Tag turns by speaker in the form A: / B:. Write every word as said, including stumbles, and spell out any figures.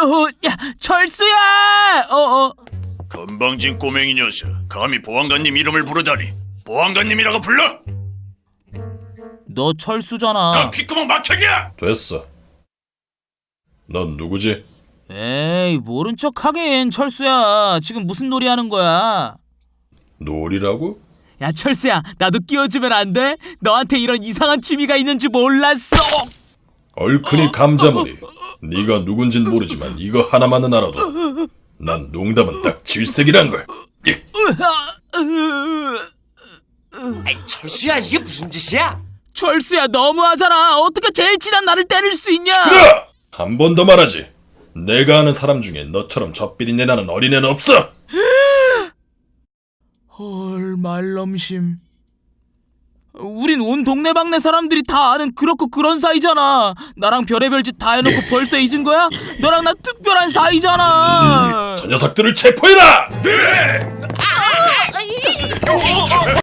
A: 어, 야, 철수야! 어, 어.
B: 건방진 꼬맹이 녀석, 감히 보안관님 이름을 부르다니. 보안관님이라고 불러?
A: 너 철수잖아.
B: 난 귓구멍 막혀이야!
C: 됐어. 넌 누구지?
A: 에이, 모른 척 하긴, 철수야. 지금 무슨 놀이 하는 거야?
C: 놀이라고?
A: 야, 철수야, 나도 끼워주면 안 돼? 너한테 이런 이상한 취미가 있는지 몰랐어.
C: 얼큰이 감자머리. 네가 누군진 모르지만 이거 하나만은 알아도 난 농담은 딱 질색이란 걸. 예.
D: 아이, 철수야, 이게 무슨 짓이야?
A: 철수야, 너무하잖아. 어떻게 제일 친한 나를 때릴 수 있냐?
C: 그래! 한 번 더 말하지. 내가 아는 사람 중에 너처럼 젖비린내 나는 어린애는 없어.
A: 헐, 말넘심. 우린 온 동네방네 사람들이 다 아는 그렇고 그런 사이잖아. 나랑 별의별 짓 다 해놓고 벌써 잊은 거야? 너랑 나 특별한 사이잖아.
C: 저 녀석들을 체포해라!